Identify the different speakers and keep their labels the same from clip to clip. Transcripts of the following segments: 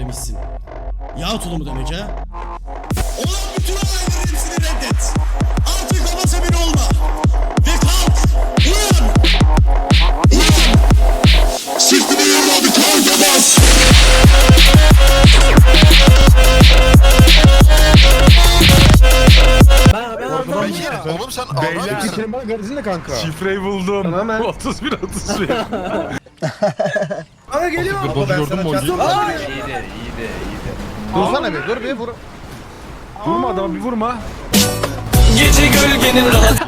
Speaker 1: demişsin. Yağ tulumu demek ha. Olan bütün olayların hepsini reddet. Artık babası bir olma. Ve kalk. Uyan. Uyan. Sırtını yorma bir kalk bas.
Speaker 2: Oğlum sen ağlar mısın?
Speaker 3: Senin bana garajın kanka?
Speaker 4: Şifreyi buldum.
Speaker 3: Tamamen.
Speaker 4: 31 31.
Speaker 3: Aga geliyor.
Speaker 4: Bozu gördün mü Ogi?
Speaker 3: Dursana bir, dur bir vur.
Speaker 4: Vurma adama bir vurma.
Speaker 5: Gece gölgenin rahat.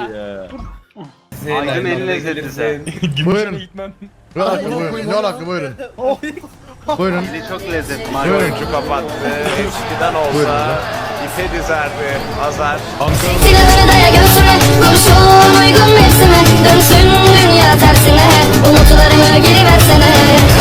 Speaker 6: Hangi eline izledin sen?
Speaker 4: Gümüşhane gitmem.
Speaker 3: Ne alaka buyurun. Buyurun.
Speaker 6: Çok lezzetli.
Speaker 3: Buyurun.
Speaker 6: Maymuncu kapattı. Eskiden olsa ipe dizerdi. Azar.
Speaker 7: Silahını daya göğsüme, kurşun uygun mevsime. Dönsün dünya tersine, umutlarımı geri versene.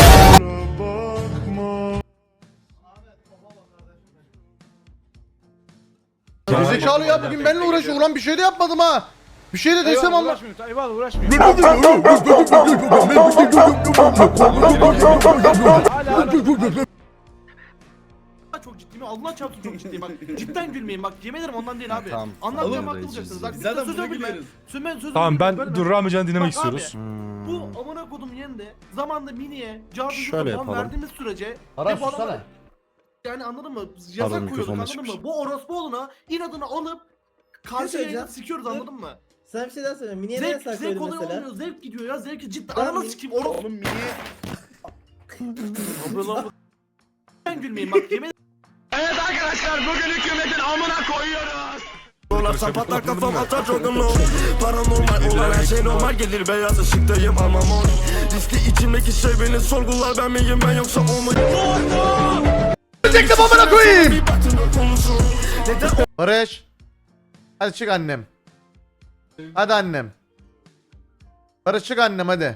Speaker 3: Gerizekalı ya bugün benimle uğraşıyor. Ulan bir şey de yapmadım ha. Bir şey de desem ama.
Speaker 4: Eyvallah uğraşmıyor.
Speaker 8: Çok ciddiyim. Allah çarpsın çok ciddiyim bak. Cidden gülmeyin bak. Yemin ederim ondan değil abi.
Speaker 3: Tamam.
Speaker 8: Anlatacağım haklı olacaksınız. Bak zaten söz gülme. Söz
Speaker 4: Tamam ben dur Ramican'ı dinlemek
Speaker 8: Bak abi,
Speaker 4: istiyoruz.
Speaker 8: Bu amına kodum yerinde zamanda miniye
Speaker 3: Şöyle
Speaker 8: cazı
Speaker 3: yapalım.
Speaker 8: verdiğimiz sürece
Speaker 3: Aras
Speaker 8: hep bu adamlar-
Speaker 3: sussana.
Speaker 8: yani anladın mı?
Speaker 3: Pardon,
Speaker 8: Yasak koyuyorduk
Speaker 3: mikrofonla
Speaker 8: anladın
Speaker 3: çıkmış.
Speaker 8: mı? Bu orospuoğluna inadını alıp karşı
Speaker 9: söyleyeceğim.
Speaker 8: yayına sikiyoruz anladın mı?
Speaker 9: Sana bir şey daha söyleyeyim. Mini'ye ne yasak
Speaker 8: Zevk
Speaker 9: söyledin
Speaker 8: oluyor
Speaker 9: mesela?
Speaker 8: olmuyor. Zevk gidiyor ya. Zevki cidden.
Speaker 9: Ben
Speaker 8: Ananı
Speaker 9: min-
Speaker 8: sikeyim orospu. Oğlum miniye. Ben gülmeyin bak yemin
Speaker 5: Dolarsan patlar kafam atar çok anlam. Paranormal olan her şey normal gelir. Beyaz ışıktayım ama mor. Riski içimdeki şey beni sorgular. Ben miyim ben yoksa o mu?
Speaker 3: Çektim amına koyayım. Barış. Hadi çık annem. Hadi annem. Barış çık annem hadi.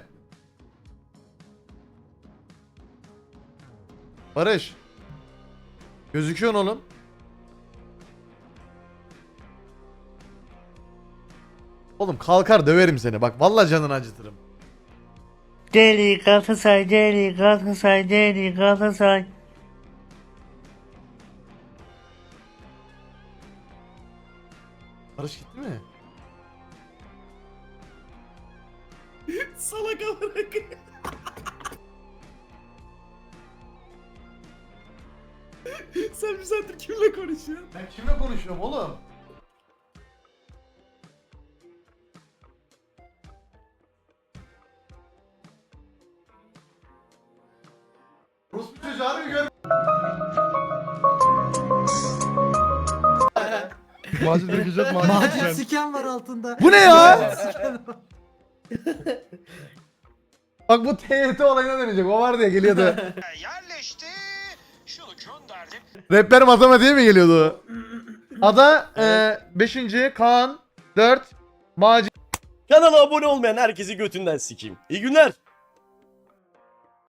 Speaker 3: Barış. Gözüküyorsun oğlum. Oğlum kalkar döverim seni. Bak vallahi canını acıtırım.
Speaker 10: Deli Galatasaray, deli Galatasaray, deli Galatasaray.
Speaker 3: Barış gitti mi?
Speaker 8: salak amına koyayım. Sen bir saattir kimle konuşuyorsun?
Speaker 3: Ben kimle konuşuyorum oğlum? Rus bir çocuğu harbi gör.
Speaker 4: Macit dökecek Macit.
Speaker 9: Siken var altında.
Speaker 3: Bu ne ya? Bak bu TYT olayına dönecek. O vardı ya geliyordu.
Speaker 5: Yerleşti. Şunu gönderdim.
Speaker 3: Rapper matematiğe mi geliyordu? Ada 5. Kaan 4 Macit.
Speaker 5: Kanala abone olmayan herkesi götünden sikeyim. İyi günler.